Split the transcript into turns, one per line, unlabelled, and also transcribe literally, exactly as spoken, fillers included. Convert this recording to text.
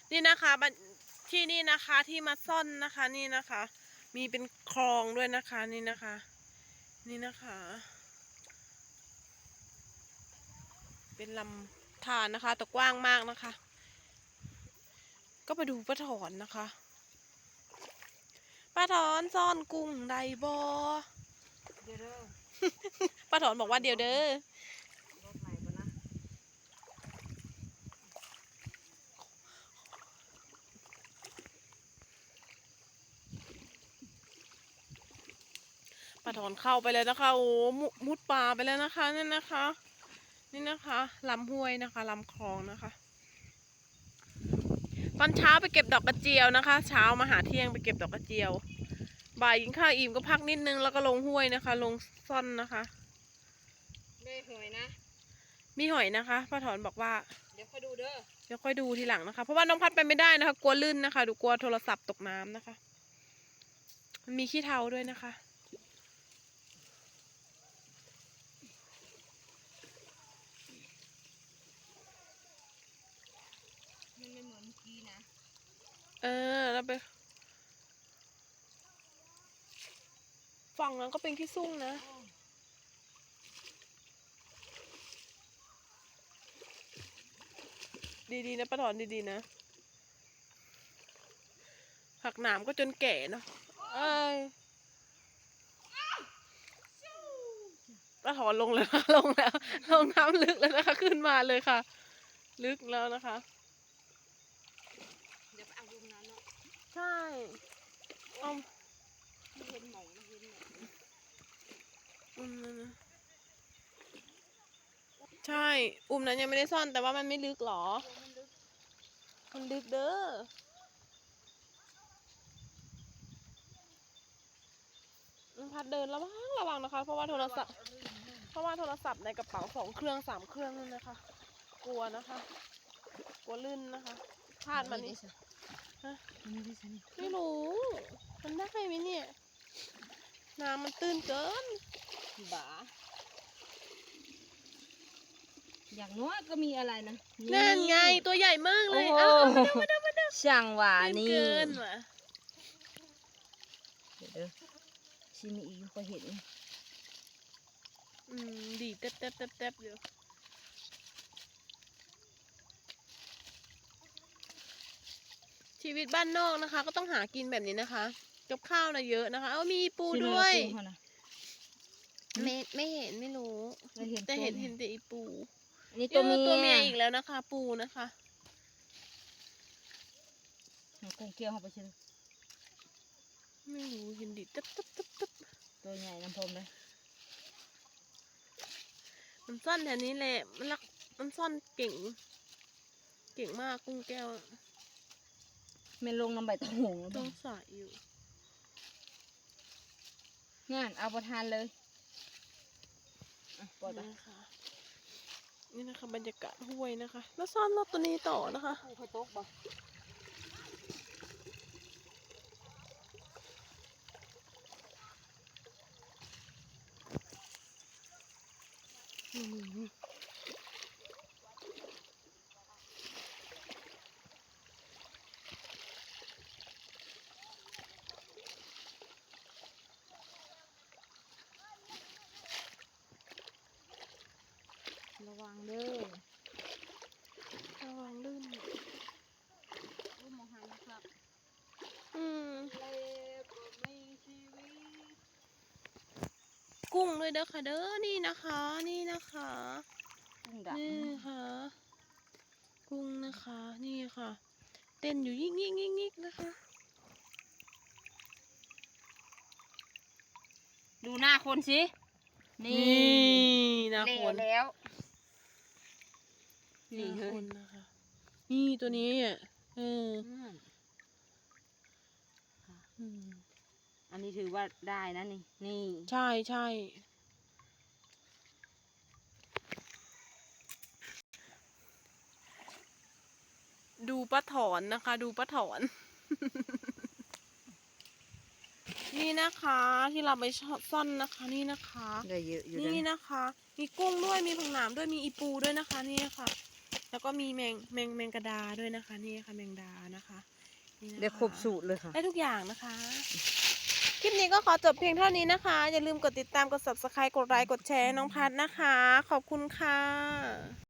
นี่นะคะที่นี่นะคะที่มาซ่อนนะคะนี่นะคะ มีเป็นคลองด้วยนะคะนี่นะคะ นี่นะคะ เป็นลำธารนะคะแต่กว้างมากนะคะ ก็ไปดูป้าถอนนะคะป้าถอนซ่อนกุ้งไดบอเดี๋ยวเด้อป้าถอนบอกว่าเดี๋ยวเด้อป้าถอนเข้าไปเลยนะคะโอ้มุดป่าไปแล้วนะคะนั่นนะคะนี่นะคะลำห้วยนะคะลำคลองนะคะตอนเช้าไปเก็บดอกกระเจียวนะคะเช้ามาหาเที่ยงไปเก็บดอกกระเจียวบ่ายกินข้าวอิ่มก็พักนิดนึงแล้วก็ลงห้วยนะคะลงซ่อนนะคะได้หอยนะมีหอยนะคะป้าถอนบอกว่าเดี๋ยวค่อยดูเด้อเดี๋ยวค่อยดูทีหลังนะคะเพราะว่าน้องพัดไปไม่ได้นะคะกลัวลื่นนะคะดูกลัวโทรศัพท์ตกน้ำนะคะมันมีขี้เถ้าด้วยนะคะมันไม่เหมือนเมื่อกี้นะเออแล้วไปฝั่งนั้นก็เป็นขี้ซุ่งนะดีๆนะป้าถอนดีๆนะผักหนามก็จนแก่เนาะเอ้ยป้าถอนลงเลยค่ะลงแล้วลงน้ำลึกแล้วนะคะขึ้นมาเลยค่ะลึกแล้วนะคะเดี๋ยวไปเอารุมนั้นเนาะใช่เอาไม่เห็นหมองไม่เห็นหมองอุ้มนั้นนะใช่อุ้มนั้นยังไม่ได้ซ่อนแต่ว่ามันไม่ลึกหรอมันลึกเด้อพัดเดินระวังระวังนะคะเพราะว่าโทรศัพท์เพราะว่าโทรศัพท์ในกระเป๋าสองเครื่องสามเครื่องนั่นนะคะกลัวนะคะกลัวลื่นนะคะพลาดมันนี่ฮะไม่รู้มันได้ไหมเนี่ยน้ำมันตื้นเกินบ้า
อย่างน้อยก็มีอะไรนะ
นั่นไงตัวใหญ่มากเลยอ้าวมาดูมาดู
ช่างหวานี่
เกินว่ะ
เดี๋ยวเด้อชิมีอีกก็เห็น
อืมดีเต๊บเต๊บเต๊บเต๊บอยู่ชีวิตบ้านนอกนะคะ ก็ต้องหากินแบบนี้นะคะกับข้าวนะเยอะนะคะเอามีปูด้วยไม่ไม่เห็นไม่รู้แต่เห็นเห็นแต่อีปู
นี่ตัวเมีย
ตัวเมียอีกแล้วนะคะ ปูนะคะ
กุ้งเกลียวเข้าไปใช่ไหม
ไม่รู้เห็นดิตึ๊บตึ๊บตึ๊บตึ๊บ
ตัวใหญ่น้ำพรมเลย
มันซ่อนแถวนี้แหละมันรักมันซ่อนเก่งเก่งมากกุ้งแก้ว
ไม่ลงน้ำใบตะหง
ต้องสายอยู่
งานเอาประทานเลย
ปล่อยไปนะคะนี่นะคะบรรยากาศห้วยนะคะแล้วซ่อนรถตัวนี้ต่อนะคะ
ปูไข่ต๊กบ่ระวังเด้อ
ระวังลื่น
รูปมองหันนะครับ
อืม
ไม่ชีวิต
กุ้งด้วยเด้อค่ะเด้อนี่นะคะนี่นะคะ
กุ้งดำ
นี่ค่ะกุ้งนะคะนี่ค่ะเต้นอยู่ยิกยิกยิกยิกนะคะ
ดูหน้าคนสิ
นี่หน้าคน
แล้ว
นี่คนนะคะนี่ตัวนี้อ่ะเออ
อันนี้ถือว่าได้นะนี่นี่
ใช่ใช่ดูป้าถอนนะคะดูป้าถอน นี่นะคะที่เราไปซ่อนนะคะนี่นะคะ
ได้เยอะอยู่
นี่นะคะมีกุ้งด้วยมีผักหนามด้วยมีอีปูด้วยนะคะนี่ค่ะแล้วก็มีแมงแมงแมงกระดาด้วยนะคะนี่ค่ะแมงดานะคะนี่นะคะ
เดี๋ยวครบสูตรเลยค่ะ
ได้ทุกอย่างนะคะ คลิปนี้ก็ขอจบเพียงเท่านี้นะคะ อย่าลืมกดติดตามกด ซับสไครบ์ กดไลค์กดแชร์น้องพัดนะคะ ขอบคุณค่ะ